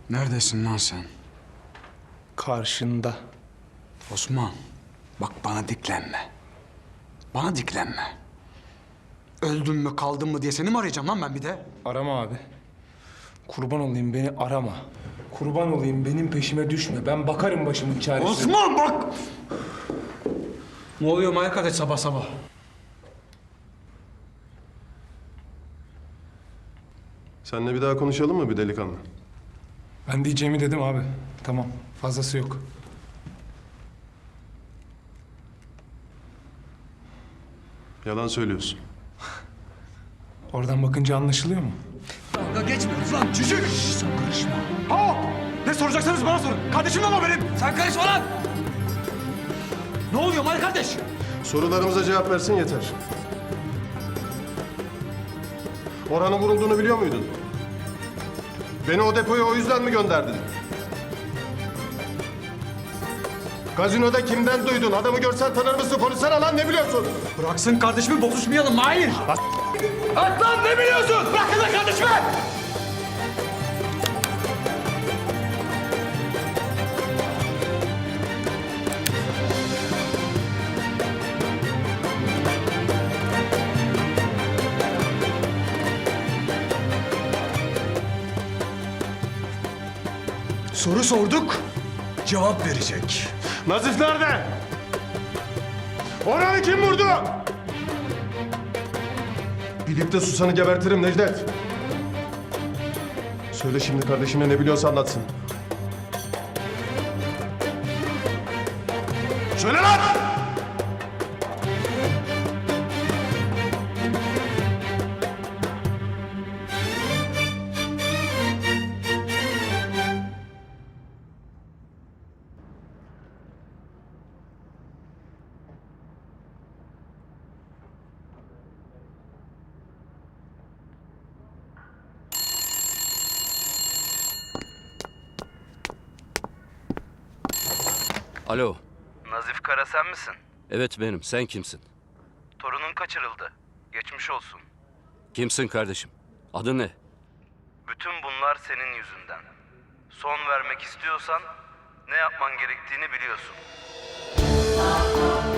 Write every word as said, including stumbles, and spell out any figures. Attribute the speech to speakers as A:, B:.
A: Neredesin lan sen?
B: Karşında.
A: Osman, bak bana diklenme. Bana diklenme. Öldün mü kaldın mı diye seni mi arayacağım lan ben bir de?
B: Arama abi. Kurban olayım beni arama. Kurban olayım benim peşime düşme. Ben bakarım başımın çaresine.
A: Osman bak! Ne oluyor Mahir kardeş sabah sabah?
C: Seninle bir daha konuşalım mı bir delikanlı?
B: Ben diyeceğimi dedim abi. Tamam. Fazlası yok.
C: Yalan söylüyorsun.
B: Oradan bakınca anlaşılıyor mu?
A: Dalga geçmiyoruz lan çocuk! Sen karışma. Ha! Ne soracaksanız bana sorun. Kardeşim ama benim. Sen karışma lan! Ne oluyor Mahir kardeş?
C: Sorularımıza cevap versin yeter. Orhan'ın vurulduğunu biliyor muydun? Beni o depoya o yüzden mi gönderdin? Gazinoda kimden duydun? Adamı görsen tanır mısın? Konuşsana lan, ne biliyorsun?
A: Bıraksın kardeşimi bozuşmayalım Mahir. At lan ne biliyorsun? Bırakın lan kardeşimi! Soru sorduk, cevap verecek.
C: Nazif nerede? Orhan'ı kim vurdu? Bilip de susanı gebertirim Necdet. Söyle şimdi kardeşine, ne biliyorsa anlatsın. Söyle lan!
D: Alo.
E: Nazif Kara sen misin?
D: Evet benim. Sen kimsin?
E: Torunun kaçırıldı. Geçmiş olsun.
D: Kimsin kardeşim? Adın ne?
E: Bütün bunlar senin yüzünden. Son vermek istiyorsan ne yapman gerektiğini biliyorsun.